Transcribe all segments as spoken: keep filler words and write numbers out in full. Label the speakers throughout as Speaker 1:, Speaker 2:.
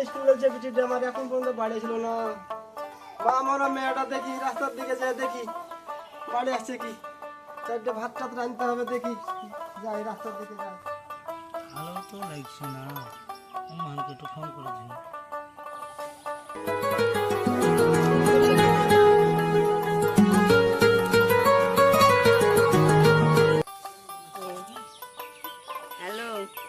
Speaker 1: স্কুলে যে বিটিটা আমার এখন পর্যন্ত বাড়ি ছিল না। বা আমার মেয়েটা দেখি রাস্তার দিকে যায়, দেখি বাড়ি আসছে কি, চারটে ভাত টাত রাঁধতে হবে, দেখি যাই রাস্তার দিকে যাই।
Speaker 2: ভালো তো লাগছে না, মানকে একটু ফোন করেছি।
Speaker 3: হ্যালো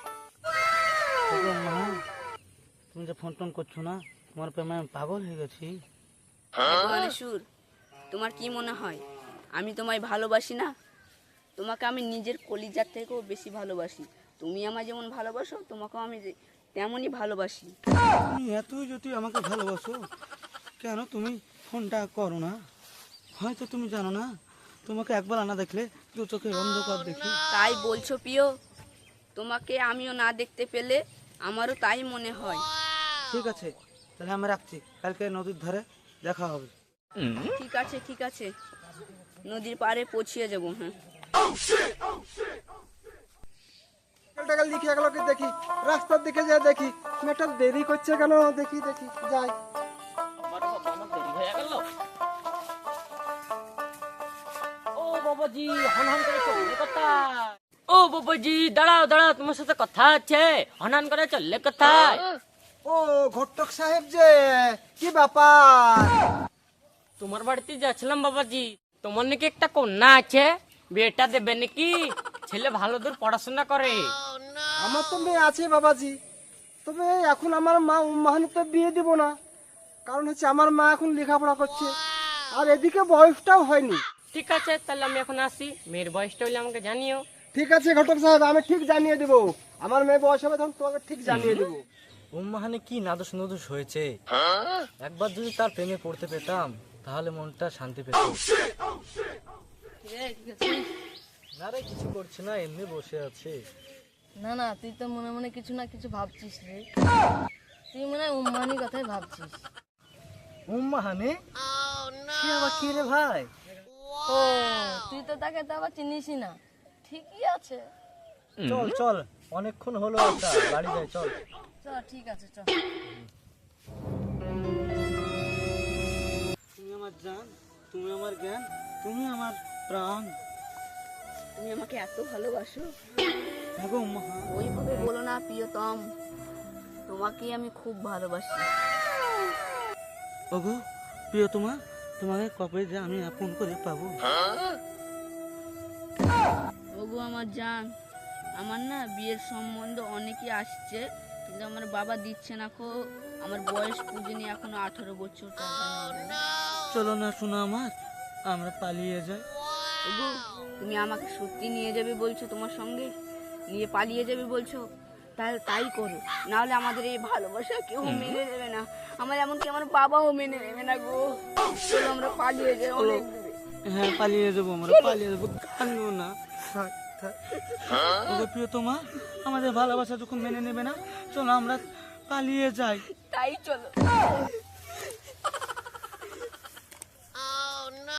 Speaker 2: মা, তুমি যে ফোন টোন করছো না, তোমার প্রেমে আমি পাগল হয়ে গেছি।
Speaker 3: সুর, তোমার কি মনে হয় আমি তোমায় ভালোবাসি না? তোমাকে আমি নিজের কলিজার থেকেও বেশি ভালোবাসি। তুমি আমায় যেমন ভালোবাসো, তোমাকেও আমি তেমনই ভালোবাসি।
Speaker 2: তুমি এতই যদি আমাকে ভালোবাসো, কেন তুমি ফোনটা করো না? হয়তো তুমি জানো না, তোমাকে একবার না দেখলে দু চোখে অন্ধকার দেখি।
Speaker 3: তাই বলছো প্রিয়? তোমাকে আমিও না দেখতে পেলে আমারও তাই মনে হয়।
Speaker 2: ঠিক আছে, তাহলে আমি রাখছি, কালকে নদীর ধারে দেখা হবে।
Speaker 3: ঠিক আছে ঠিক আছে, নদীর পাড়ে পৌঁছিয়ে যাবো। হ্যাঁ,
Speaker 1: টাকাল দেখি এগুলোকে দেখি, রাস্তার দিকে যাই দেখি মেয়েটা দেরি করছে কেন, দেখি দেখি যাই।
Speaker 4: ও বাবাজি, হনহন করে চললে কোথায়? ও বাবাজি, দাঁড়াও দাঁড়াও, তোমার সাথে কথা আছে। হনহন করে চললে কোথায়?
Speaker 1: ও ঘটক সাহেব যে, কি ব্যাপার?
Speaker 4: তোমার বাড়িতে যাচ্ছিলাম বাবাজি। তোমার নাকি একটা কন্যা আছে, বিয়েটা দেবে নাকি? ছেলে ভালো দূর পড়াশোনা করে।
Speaker 1: আমার তো মেয়ে আছে বাবাজি, তবে এখন আমার মা উম্মাহানিতে বিয়ে দিব না, কারণ হচ্ছে আমার মা এখন লেখাপড়া করছে, আর এদিকে বয়সটাও হয়নি।
Speaker 4: ঠিক আছে, তাহলে আমি এখন আসি। মেয়ের বয়সটা হইলে আমাকে জানিও।
Speaker 1: ঠিক আছে ঘটক সাহেব, আমি ঠিক জানিয়ে দেবো। আমার মেয়ে বয়স হবে তখন তোমাকে ঠিক জানিয়ে দেবো।
Speaker 2: উম্মাহানে কি নাদুস নদুস হয়েছে, একবার যদি তার প্রেমে পড়তে পেতাম তাহলে মনটা শান্তি পেত। না রে, কিছু করছে না, এমনি বসে আছে।
Speaker 5: না না, তুই তো মনে মনে কিছু না কিছু ভাবছিস রে। তুই মনে হয় উম্মানির কথাই ভাবছিস।
Speaker 2: উম্মাহানে সে আবার কি রে ভাই?
Speaker 5: ও, তুই তো তাকে তো আবার চিনিসই না। ঠিকই আছে,
Speaker 2: চল চল, অনেকক্ষণ হলো আসা, বাড়ি যাই চল।
Speaker 5: চল ঠিক আছে চল।
Speaker 2: তুমি আমার জান, তুমি আমার জ্ঞান, তুমি আমার প্রাণ।
Speaker 3: তুমি আমাকে এত ভালোবাসো?
Speaker 2: দেখো উম্মাহান,
Speaker 3: ওইভাবে বলো না প্রিয়তম, তোমাকেই আমি খুব ভালোবাসি।
Speaker 2: ওগো প্রিয়, তোমার তোমাকে কবে যে আমি আপন করে পাবো?
Speaker 3: ওগো আমার জান, আমার না বিয়ের সম্বন্ধ অনেকই আসছে, কিন্তু আমার বাবা দিচ্ছে না কো। আমার বয়স পুজেনি এখনো আঠারো বছর।
Speaker 2: চলো না শোনো আমার, আমরা পালিয়ে যাই।
Speaker 3: ওগো, তুমি আমাকে সত্যি নিয়ে যাবে বলছো? তোমার সঙ্গে নিয়ে পালিয়ে যাবে বলছো? তাহলে তাই করো, নাহলে আমাদের এই ভালোবাসা কেউ মেনে নেবে না। আমার এমনকি আমার বাবাও মেনে নেবে না গো। চলো আমরা পালিয়ে যাই অনেক দূরে।
Speaker 2: হ্যাঁ পালিয়ে যাবো, আমরা পালিয়ে যাবো, কান্দিও না। থাক, থাক। ওগো প্রিয়, তোমার আমাদের ভালোবাসা যখন মেনে নেবে না, চলো আমরা পালিয়ে যাই।
Speaker 3: তাই চলো।